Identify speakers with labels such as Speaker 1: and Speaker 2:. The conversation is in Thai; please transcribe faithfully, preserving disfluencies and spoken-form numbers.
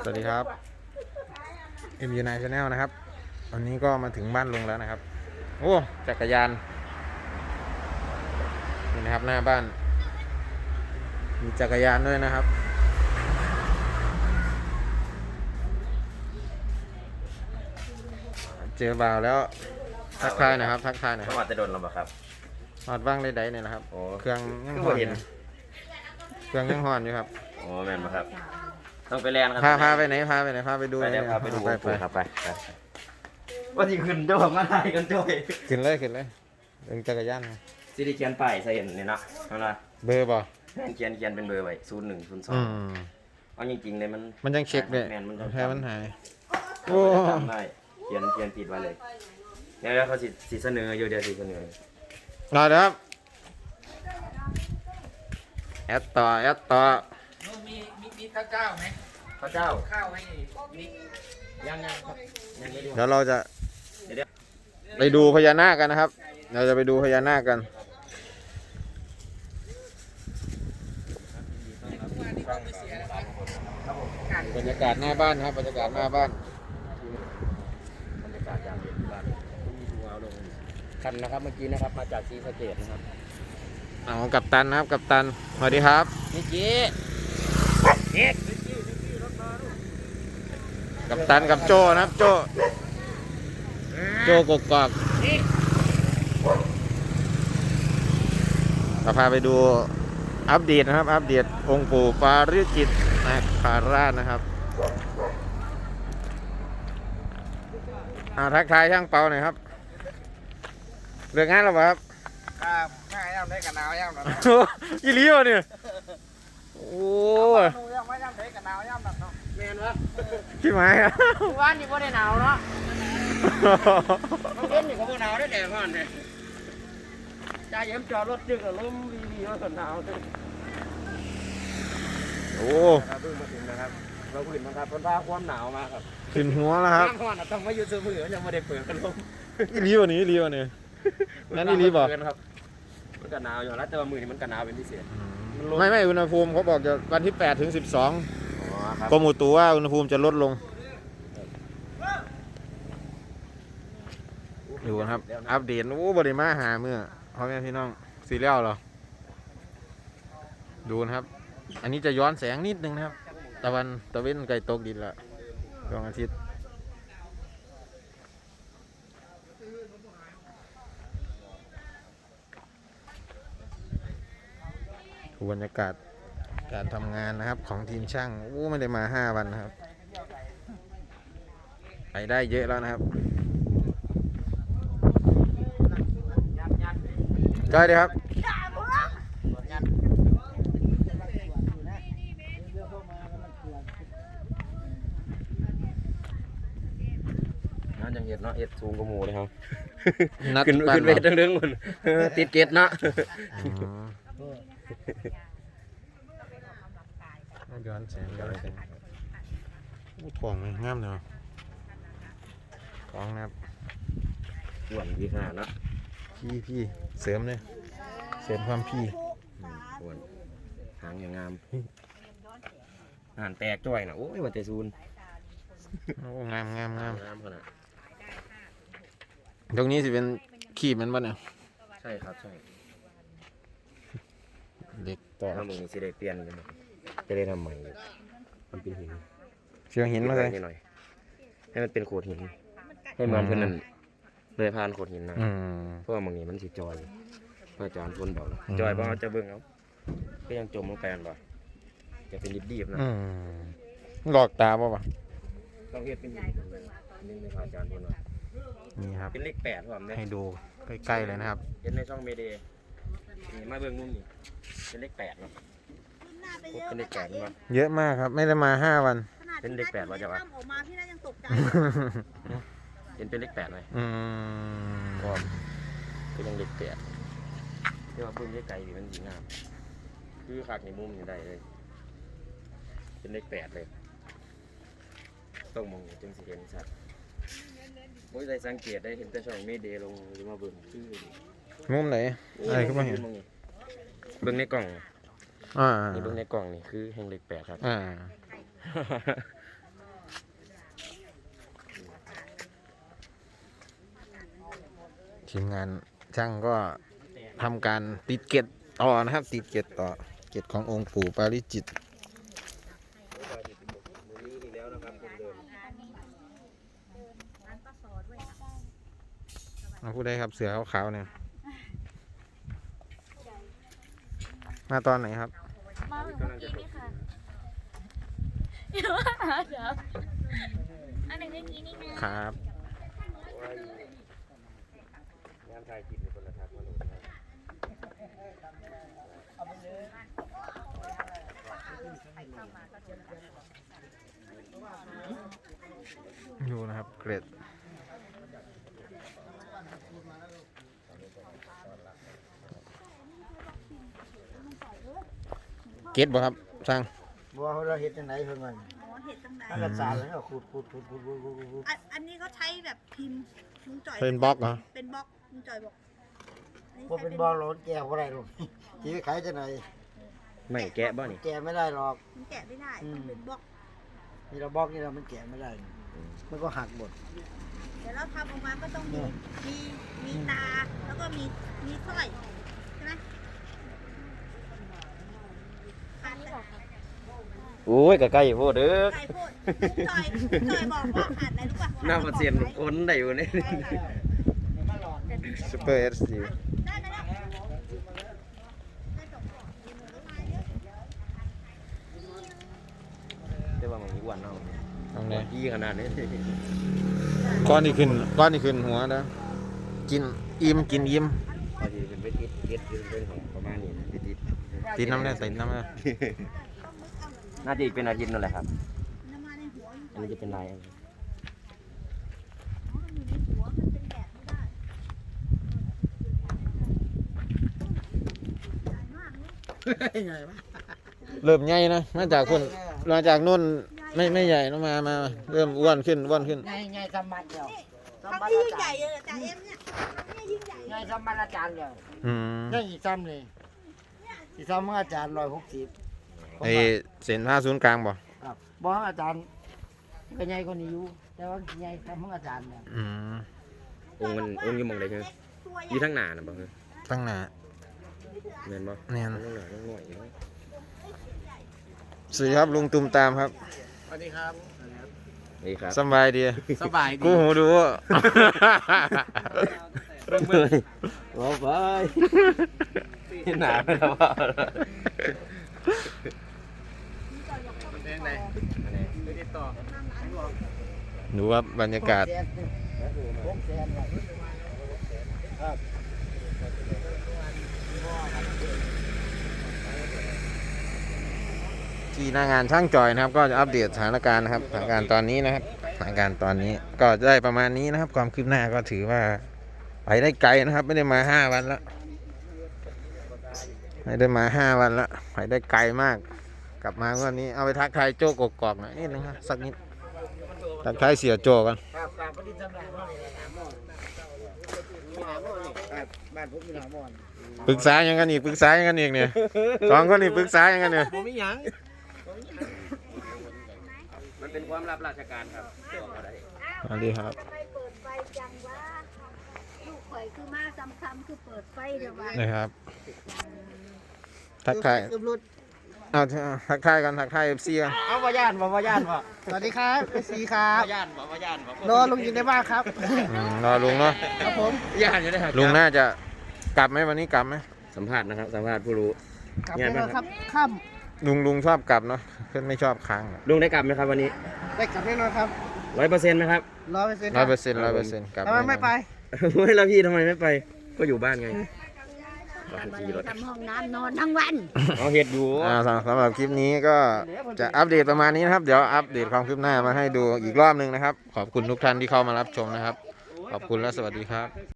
Speaker 1: สวัสดีครับ เอ็ม ยู ไนน์ Channel นะครับวันนี้ก็มาถึงบ้านลุงแล้วนะครับโอ้จักรยานนี่นะครับหน้าบ้านมีจักรยานด้วยนะครับเจอบ่าวแล้วทักทายนะครับทักทายหน่อยครับ
Speaker 2: มาจะโดนเราบ่ครับ
Speaker 1: หอดบ้างเลยได้เนี่ยนะครับ
Speaker 2: โอ้
Speaker 1: เครื่องยัง
Speaker 2: ก็
Speaker 1: ห่อน
Speaker 2: เห็น
Speaker 1: เครื่องยังห่อนอยู่ครับ
Speaker 2: โอ้แม่นบ่ครับต้องไปแลนด์ครั
Speaker 1: พาพาไปไหนพาไปไหนพาไปดู
Speaker 2: ไป
Speaker 1: หน่
Speaker 2: แล้
Speaker 1: อ
Speaker 2: วย พาไปดู
Speaker 1: ไปไป
Speaker 2: ครับไปไปว่าที่ขึ้นเจ้าของอะไรกันจ้อย
Speaker 1: ขึ้นเลยขึ้นเลยเรื่องจักรยานนะ
Speaker 2: สิได้เขียนป้ายใส่เห็นนี่เนาะนั่นล่ะ
Speaker 1: เบอร์ป่ะ
Speaker 2: เขียนเขียนเป็นเบอร์ไว้ศูนย์หนึ่งศูนย์สอ
Speaker 1: อื
Speaker 2: ง
Speaker 1: ม
Speaker 2: เอาจริงๆเลยมัน
Speaker 1: มันยังเช็คเลย
Speaker 2: แม่นมันต้อง
Speaker 1: แพ้มันหาย
Speaker 2: โอ้จำได้เขียนเขียนผิดไว้เลยเดี๋ยวเขาสิสิเสนออยู่เดี๋ยวสิเสนอ
Speaker 1: รอเดี๋ยวครับแอดต่อแอดต่อ
Speaker 3: มีมีมีข้าวเจ้าไหม
Speaker 2: พระเจ้า
Speaker 3: ข้าวให้นิก
Speaker 2: ยังยังครับยังไม่ดู
Speaker 1: เดี๋ยวเราจะ
Speaker 2: เดี๋ยว
Speaker 1: ไปดูพญานาคกันนะครับ เราจะไปดูพญานาคกันบรรยากาศหน้าบ้านครับบรรยากาศหน้าบ้าน
Speaker 2: บรรยากาศยามเย็นที่บ้านมีดูเอาลงคันนะครับเมื่อกี้นะครับมาจากศรีสะเกษนะครับ
Speaker 1: เอากับตันนะครับกับตันสวัสดีครับ
Speaker 2: นี่จีเอ็ก
Speaker 1: กับตันกับโจนะครับโจโจกกอกเราพาไปดูอัปเดตนะครับอัปเดตองค์ปู่ปาริจิตนาคาราชนะครับอ่าทักทายช่างเปาหน่อยครับเรื่องงานหรือเปล่าครับ
Speaker 3: ครับข้าวย่ำได้กับนาวย่ำนะ
Speaker 1: อีหลีวะเนี่ยโอ้ย
Speaker 3: นูย่ำไม่ย่ำได้กับนาวย่ำนะเนาะเมนวะ
Speaker 1: พี่ไม้ครับ
Speaker 3: ว่านนี่ก็ได้หนาวเนาะมันเล่นนี่ก็บ่หนาวได้แดดร้อนเลยจ่าเยี่ยมจอดรถจึกอะลมวีวีว่าสนหนาวเลย
Speaker 1: โอ้
Speaker 2: ครับเพิ่งมาถึงนะครับเราพื้นมาครับคนพาความหนาวมาครับ
Speaker 1: ขึ้นหัวแล้วครับ
Speaker 3: น้ำร้อนอะต้องมาอยู่ซื้อมือยังไม่ได้เปิดกันลม
Speaker 1: อีหลีวะนี่อีหลีวะเนี่ยนั่นอีหลีบอก
Speaker 2: ครับมันก็หนาวอยู่แล้วแต่ว่ามือนี่มันก็หนาวเป็นพิเศษ
Speaker 1: ไม่ไม่อุณหภูมิเขาบอกจะวันที่แปดถึงสิบสอง
Speaker 2: อ๋อครับ
Speaker 1: กรมอุตุว่าอุณหภูมิจะลดลงดูนะครับ อัปเดตโอ้บริมาหาเมื่อพ่อแม่พี่น้องสีเลี้ยวเหรอดูนะครับ อันนี้จะย้อนแสงนิดนึงนะครับ ตะวันตะเว้นไกลตกดินละดวงอาทิตย์ดูบรรยากาศการทำงานนะครับของทีมช่างโอ้ไม่ได้มาห้าวันนะครับไปได้เยอะแล้วนะครับก็ดีครับ
Speaker 2: นั่นยังเห็ดเนาะเห็ดสูงกว่าหมูเลยครับ
Speaker 1: นัด
Speaker 2: ขึ้น
Speaker 1: ปั้
Speaker 2: ขึ้นเวท
Speaker 1: หรอ
Speaker 2: เรื่องๆมันติดเกตเนาะ
Speaker 1: อ๋อย้อนแสงย้อนแสงอู้ของมันงามเนาะของนะครับ
Speaker 2: ส่วนที่ห้าเนาะ
Speaker 1: พี่พี่เสริมเลยเสริมความพี่
Speaker 2: ส่วนหางอย่างงามหานแตกจ้อยนะโอ้ยว่าแต่ซูน
Speaker 1: โอ้งามงามงาม
Speaker 2: งามขนาด
Speaker 1: ตรงนี้สิเป็นขีบมันบ้าเนี่ย
Speaker 2: ใช่ครับใช่
Speaker 1: เด็กต่อ
Speaker 2: ถ้ามึงสิได้เปลี่ยนเลยจะได้ทำใหม่มันเป็นหิน
Speaker 1: เชียงหินมาเลย
Speaker 2: นิดหน่อยให้มันเป็นโขดหินให้เหมือนเพื่อนนั่นเลยผ่านโขดหินนะ
Speaker 1: อืม
Speaker 2: เพราะว่ามึงนี่มันสิจอยพระอาจารย์คนบอกนะ
Speaker 1: อืม
Speaker 2: จอยบ่เอาจะเบิ่งเอาก็ยังจมลงไปกันบ่จะเป็นดิบๆนะ
Speaker 1: อืมหลอกตาป่ะวะ
Speaker 2: ต้องเฮ็ดเป็นดิบๆนี่ในพระอาจารย์คนว่า
Speaker 1: นี่ครับ
Speaker 2: เป็นเลขแปดผมเนี่ย
Speaker 1: ให้ดูใกล้ๆเลยนะครับ
Speaker 2: เห็นในช่องเมเดย์นี่มาเบิ่งมุมนี่เป็นเลขแปดเนาะเป็นเลขแปดมั้ย
Speaker 1: เยอะมากครับ ไม่ได้มาห้าวัน
Speaker 2: เป็นเด็กแปดวะจ๊ะวะ
Speaker 4: ออกมาพี่น่ายังตกใจ
Speaker 2: เห็นเป็นเลขแปดไหม
Speaker 1: อืม
Speaker 2: ก็ก็ยังเลขแปดที่ว่าเบิ่งไกลๆนี่มันสีงาม คือคักในมุมนี่ได้เลย เป็นเลขแปดเลย ต้องมองจึงสิเห็นชัดโอ้ยได้สังเกตได้เห็นแต่ช่องเมเดย์ลงหรือมาเบิ่งคือ
Speaker 1: มุมไหนอะไรขึ้นมาเห็น
Speaker 2: มองนี่เบิ่งในกล่อง
Speaker 1: อ่า
Speaker 2: นี่เบิ่งในกล่องนี่คือแห่งเลขแปดครับ
Speaker 1: อ่าทีมงานช่างก็ทำการติดเกล็ดต่อนะครับ ติดเกล็ดต่อเกล็ดขององค์ปู่ปาริจิตมาพูดได้ครับเสือขาวๆเนี่ยมาตอนไหนครับ
Speaker 4: มาถึงเมื่อกี้นี่ค่ะเดี๋ยวเดี๋ยวอันหนึ่งเมื่อกี้นี่นะครับ
Speaker 2: งานถ่ายคลิปในคนละทักมาโหลดนะ
Speaker 1: อยู่นะครับเกล็ดเกล็ดบ่ครับช่าง
Speaker 3: บัวเราเห็ดจังไหนเพิ่นว่า
Speaker 5: อ๋อเห็ดตั้งไหน
Speaker 3: อันละสารแล้วก็ขูดขูดขูดขูดขูดขูดขูด
Speaker 5: อันอันนี้เขาใช้แบบพิมพ์ลุงจ่อย
Speaker 1: เป็นบล็อกเหรอ
Speaker 5: เป็นบล็อกลุงจ่อยบอกอั
Speaker 3: พวกเป็นบอลเราแก่บ่ได้หรอกที่ขายจังไหน
Speaker 2: ไม่แกะบ่นี่
Speaker 3: แก่ไม่ได้หรอก
Speaker 5: มันแกะไม่ได้
Speaker 3: อืม
Speaker 5: ต้องเป็นบล็อก
Speaker 3: นี่เราบล็อกนี่เรามันแก่ไม่ได้ มันก็หักหมด
Speaker 5: เดี๋ยวเราทำออกมาก็ต้องมีมีมีตาแล้วก็มีมีสร้อยใช่ไหมขาดแต่
Speaker 2: โอ้ยก็ใกล้โพดเด้อ
Speaker 5: ไก่พูดลุงจ่อยลุงจ่อยบอกว่าขาดอะไรรู้ป่ะ
Speaker 2: หน้าเปอร์เซ็นต์คนได้อยู่นี่
Speaker 1: ซูเปอร์เอสดี
Speaker 5: ได้ได้ได้ได้สองกล่อง
Speaker 2: แต่ว่ามันมีอ้วนเนาะ
Speaker 1: ตรงไหน
Speaker 2: ยี่ขนาดนี้
Speaker 1: ก้อนที่ขึ้นก้อนที่ขึ้นหัวนะกินอิ่มกินอิ่ม
Speaker 2: พอดีเป็นไปติดเก็ดอยู่เป็นของประมาณนี้นะไปติด
Speaker 1: ติดน้ำเนี่ยติดน้ำเนี่ย
Speaker 2: น่าจะอีกเป็นอาทิตย์นั่นแหละครับ
Speaker 5: น้ำมันในหัวลุง
Speaker 2: อันนี้จะเป็นลายอันนี้
Speaker 5: อ๋อมันอยู่ในหัวมันเป็นแบบไม่ได้ใหญ่มากเลย
Speaker 3: ไงวะ
Speaker 1: เริ่มใหญ่นะมาจากคนมาจากนู่นไม่ไม่ใหญ่นะมามาเริ่มอ้วนขึ้นอ้วนขึ้น
Speaker 3: ไงไงสมัดเดียว
Speaker 5: ครั้งที่ยิ่งใหญ่เลยจ่าเอ็มเนี่ยเนี่ยยิ่งใหญ่
Speaker 3: ไงสมัดอาจารย์เดียว
Speaker 1: อืม
Speaker 3: นี่อีกซ้ำเลยอีกซ้ำของอาจารย์ร้อยหกสิบ
Speaker 1: ไอเส้นผ้าศูนย์กลางบ่
Speaker 3: ครับบอกอาจารย์ก็ใหญ่กว่านี้อยู่แต่ว่าใหญ่ซ้ำของอาจารย์เนี่ย
Speaker 1: อืม
Speaker 2: องค์มันองค์อยู่หมองใดใช่ไหม
Speaker 5: ตัวให
Speaker 2: อยู่
Speaker 5: ญ่
Speaker 2: ทั้งหน้าน่ะบ่คือ
Speaker 1: ตั้งหน้า
Speaker 2: แม่นบ่
Speaker 1: เนี่ย
Speaker 2: ทั้งหน้าทั้งหน่วยอยู่เนาะ
Speaker 1: สวัสดีครับลุงตุมตามครับ
Speaker 3: สวัสดีครับ
Speaker 2: นี่ครับ
Speaker 1: สบายดี
Speaker 3: สบายดี
Speaker 1: กูหูดู
Speaker 2: เริ่มเลยโอ้ไปที่หนาไปแล้วว่า
Speaker 1: ดูว่าบรรยากาศ
Speaker 3: หกแสนครับ
Speaker 1: ที่หน้างานช่างจอยนะครับ ก็จะอัปเดตสถานการณ์นะครับสถานการณ์ตอนนี้นะครับสถานการณ์ตอนนี้ก็ได้ประมาณนี้นะครับ ความคืบหน้าก็ถือว่าไปได้ไกลนะครับ ไม่ได้มาห้าวันแล้วไม่ได้มาห้าวันแล้วไปได้ไกลมาก กลับมาวันนี้เอาไปทักทายโจ้กกอกหน่อยนิดนึงครับสักนิดทักทายเสียโจกัน
Speaker 3: ครับครับปฏิจจำหน่ายหม้อนี่หาหม้อมีหาหม้อนี่ครับบ้านผมมีหาหม้อนี่
Speaker 1: ปรึกษายังกันอีกปรึกษายังกันอีกเนี่ยสองคนนี่ปรึกษายังกันเนี่ย
Speaker 3: ผมมีหยัง
Speaker 2: มันเป็นความลับราชการครับบอกบ่ได้
Speaker 1: สวัสดีครับ
Speaker 5: ไปเปิดไฟจังว่าลูกข่อยคือมาซ้ำๆคือเปิดไฟเดี๋ยวว่า
Speaker 1: นะครับ ทักทาย
Speaker 3: เกือบหลุด
Speaker 1: เอาทักทายกันทักทายเอฟซีกัน
Speaker 3: เอาว่าย่านบ่ว่าย่านบ่สวัสดีครับเอซีครับ
Speaker 2: ย่านบ่ว่าย่านบ่
Speaker 3: รอลุงอยู่ในบ้านครับ
Speaker 1: อืมรอลุงเนาะ
Speaker 3: ครับผม
Speaker 2: ย่านอยู่ได้ครับ
Speaker 1: ลุงน่าจะกลับไหมวันนี้กลับไหม
Speaker 2: สัมภาษณ์นะครับสัมภาษณ์ผู้รู้
Speaker 3: กลับไปแล้วครับค่
Speaker 1: ลุงลุงชอบกลับเนาะเพื่อนไม่ชอบค้าง
Speaker 2: ลุงได้กลับไหมครับวันนี้
Speaker 3: ำได้กลับแน่นอนครับ
Speaker 2: ร้อยเปอร์เซ็นต์ไหมครับ
Speaker 3: ร้อยเปอร์เซ็นต์
Speaker 1: ร้อยเปอร์เซ็นต์ร้อยเปอร์เซ็นต์กลับ
Speaker 3: ทำไมไม่ไป
Speaker 2: เฮ้ยแล้วพี่ทำไมไม่ไป ก็อยู่บ้านไงก็ขี่รถ
Speaker 5: ทำห้องน้ำนอนทั้งวัน
Speaker 2: เอาเห็ดอยู่
Speaker 1: อ่าสำสำหรับคลิปนี้ก็จะอัปเดตประมาณนี้นะครับ เดี๋ยวอัปเดตความคืบหน้ามาให้ดูอีกรอบหนึงนะครับ ขอบคุณทุกท่านที่เข้ามารับชมนะครับ ขอบคุณและสวัสดีครับ